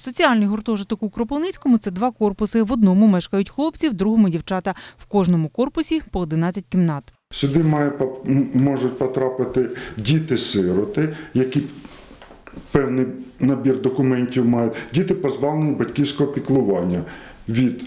Соціальний гуртожиток у Кропивницькому – це 2 корпуси. В одному мешкають хлопці, в другому – дівчата. В кожному корпусі по 11 кімнат. Сюди можуть потрапити діти-сироти, які певний набір документів мають, діти позбавлені батьківського піклування від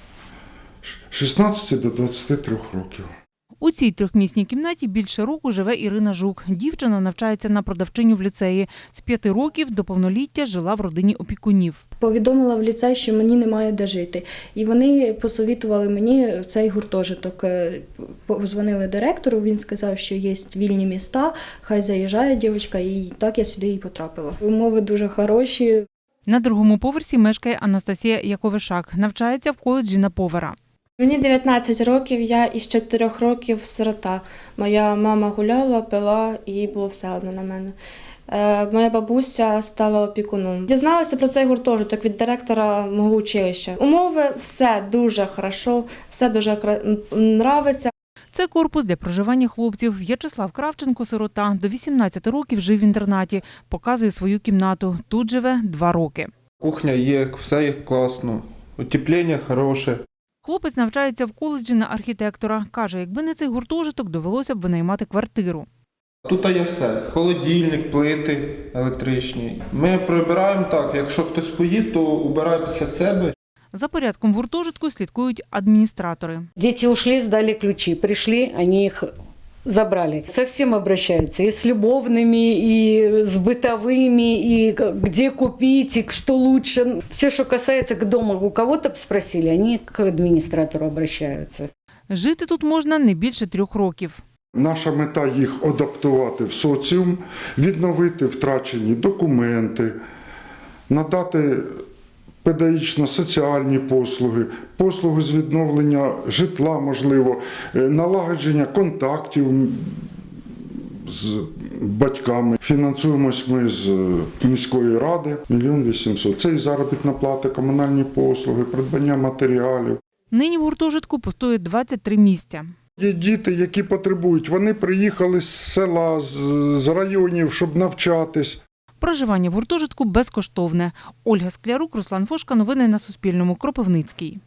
16 до 23 років. У цій 3-місній кімнаті більше року живе Ірина Жук. Дівчина навчається на продавчиню в ліцеї. З 5 років до повноліття жила в родині опікунів. Повідомила в ліцей, що мені немає де жити. І вони посовітували мені цей гуртожиток. Позвонили директору, він сказав, що є вільні міста, хай заїжджає дівчинка, і так я сюди і потрапила. Умови дуже хороші. На 2-му поверсі мешкає Анастасія Яковишак. Навчається в коледжі на повара. Мені 19 років, я із 4 років сирота. Моя мама гуляла, пила, і їй було все одно на мене. Моя бабуся стала опікуном. Дізналася про цей гуртожиток від директора мого училища. Умови – все дуже хорошо, все дуже подобається. Це корпус для проживання хлопців. В'ячеслав Кравченко – сирота. До 18 років жив в інтернаті. Показує свою кімнату. Тут живе 2 роки. Кухня є, все є класно, утеплення хороше. Хлопець навчається в коледжі на архітектора. Каже, якби не цей гуртожиток, довелося б винаймати квартиру. Тут є все. Холодильник, плити електричні. Ми прибираємо так, якщо хтось поїде, то убирає після себе. За порядком в гуртожитку слідкують адміністратори. Дети ушли, сдали ключи. Пришли, они их забрали. Со всем обращаются. И с любовными, и с бытовыми, и где купить, и что лучше. Все, что касается к дому, у кого-то спросили, они к администратору обращаются. Жити тут можна не більше 3 років. Наша мета – їх адаптувати в соціум, відновити втрачені документи, надати педагогічно-соціальні послуги, послуги з відновлення житла, можливо, налагодження контактів з батьками. Фінансуємось ми з міської ради 1 800 000. Це і заробітна плата, комунальні послуги, придбання матеріалів. Нині в гуртожитку пустує 23 місця. Є діти, які потребують. Вони приїхали з села, з районів, щоб навчатись. Проживання в гуртожитку безкоштовне. Ольга Склярук, Руслан Фошка. Новини на Суспільному. Кропивницький.